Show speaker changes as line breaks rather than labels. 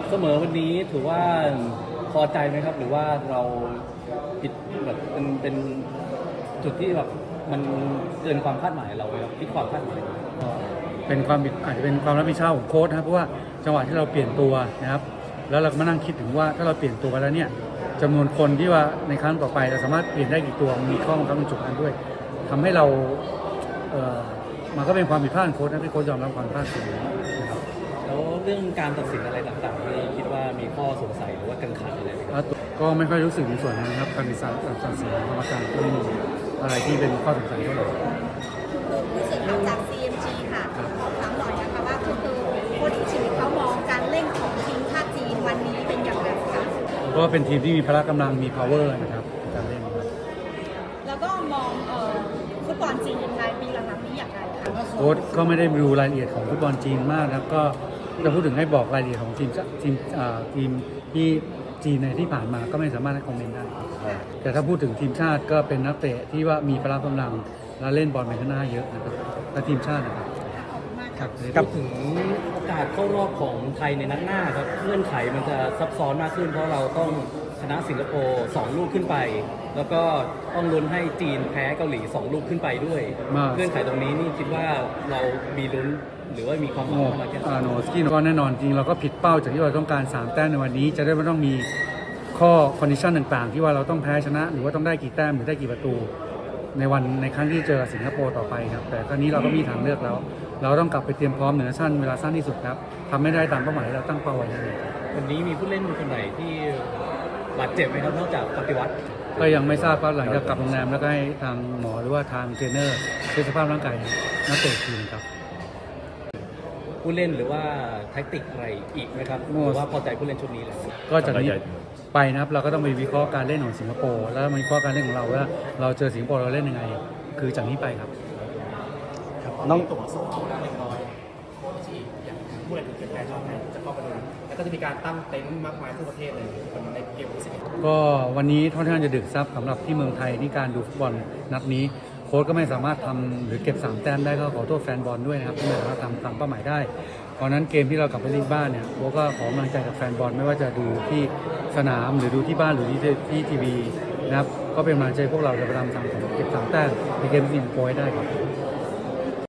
เสมอวันนี้ถือว่าพอใจไหมครับหรือว่าเราผิดแบบเป็นจุดที่แบบมันเกินความคาดหมายเราไหมครับที่ความคาดหมาย
เป็นความผิดอาจจะเป็นความรับผิดชอบของโค้ชนะครับเพราะว่าจังหวะที่เราเปลี่ยนตัวนะครับแล้วเราก็มานั่งคิดถึงว่าถ้าเราเปลี่ยนตัวไปแล้วเนี่ยจำนวนคนที่ว่าในครั้งต่อไปเราสามารถเปลี่ยนได้กี่ตัวมีข้อบังคับในจุดนั้นด้วยทำให้เรามันก็เป็นความผิดพลาดของโค้ชนะที่โค้ชยอมรับความผิดพลาดตรงนี้นะครับ
แล้วเรื่องการตัดสินอะไรต่างๆที่คิดว่ามีข้อสงสัยหรือว่ากังขาอะไรไหมครับ
ก็ไม่ค่อยรู้สึกในส่วนนั้นนะครับการตัดสินกรรมการก็ไม่มีอะไรที่เป็นข้อสงสัยเท่าไหร่
ผู้สื่อข่าวจาก CMG ค่ะขอถามหน่อยนะคะว่าคือโค้ชชีวิตเขามองการเล่นของทีมชาติจีนวันนี้เป็นอย่างไรคะ
ก็เป็นทีมที่มีพละกำลังมี power นะครับในการเล่นครับ
แล้วก็มองฟุตบอลจีนยังไงปีหลังๆนี้อย่างไรคะ
โค้ชก็ไม่ได้ดูรายละเอียดของฟุตบอลจีนมากนะครับก็จะพูดถึงให้บอกรายละเอียดของทีมที่จีนในที่ผ่านมาก็ไม่สามารถให้คอมเมนต์ได้แต่ถ้าพูดถึงทีมชาติก็เป็นนักเตะที่ว่ามีพละกำลังและเล่นบอลไปข้างหน้าเยอะนะครับและทีมชาตินะครับ
กับถึงโอกาสเข้ารอบของไทยในนัดหน้าครับเงื่อนไขมันจะซับซ้อนมากขึ้นเพราะเราต้องชนะสิงคโปร์2 ลูกขึ้นไปแล้วก็ต้องลุ้นให้จีนแพ้เกาหลี2 ลูกขึ้นไปด้วยเงื่อนไขตรงนี้นี่คิดว่าเรามีลุ้นหรือว่ามีความหวังมากแค่ไหน
โนสกี้ก็แน่นอนจริงเราก็ผิดเป้าจากที่เราต้องการ3 แต้มในวันนี้จะได้ไม่ต้องมีข้อคอนดิชันต่างๆที่ว่าเราต้องแพ้ชนะหรือว่าต้องได้กี่แต้มหรือได้กี่ประตูในครั้งที่เจอสิงคโปร์ต่อไปครับแต่ครั้งนี้เราก็มีทางเลือกแล้วเราต้องกลับไปเตรียมพร้อมเหนือชั้นเวลาสั้นที่สุดครับทำไม่ได้ตามเป้าหมายที่เราตั้งเป้าไว้เลย
วันนี้มีผู้เล่นคนไหนที่บาดเจ็บไหมครับนอกจากปฏิวัติ
ก็ยังไม่ทราบครับหลังจากกลับโรงแรมแล้วก็ให้ทางหมอหรือว่าทางเทรนเนอร์เช็คสภาพร่างกายนักเตะทีมครับ
ผู้เล่นหรือว่าแท็กติกอะไรอีกไหมครับหรือว่าพอใจผู้เล่นชุดนี้แล้ว
ก็จากนี้ไปนะครับเราก็ต้องไปวิเคราะห์การเล่นของสิงคโปร์แล้ววิเคราะห์การเล่นของเราว่าเราเจอสิงคโปร์เราเล่นยังไงคือจากนี้ไปครับ
น้องตัวสู้เขาได้เล็กน้อยโค้ชที่อย่างผู้เล่นถึงแฟนชอบจะเข้าไปดูแล้วก็จะมีการตั้งเต็นท์มากมายทั่วประเทศเลยในเกมที่11
ก็วันนี้ค่อนข้างจะดึกซับสำหรับที่เมืองไทยที่การดูฟุตบอลนัดนี้โค้ชก็ไม่สามารถทำหรือเก็บ3 แต้มได้ก็ขอโทษแฟนบอลด้วยนะครับที่ไม่สามารถทำตามเป้าหมายได้เพราะนั้นเกมที่เรากลับไปเล่นบ้านเนี่ยโค้ชก็ขอกำลังใจจากแฟนบอลไม่ว่าจะดูที่สนามหรือดูที่บ้านหรือที่ทีวีนะครับก็เป็นกำลังใจพวกเราจะพยายามทำเก็บ3 แต้มในเกมที่สิงคโปร์ได้ครับ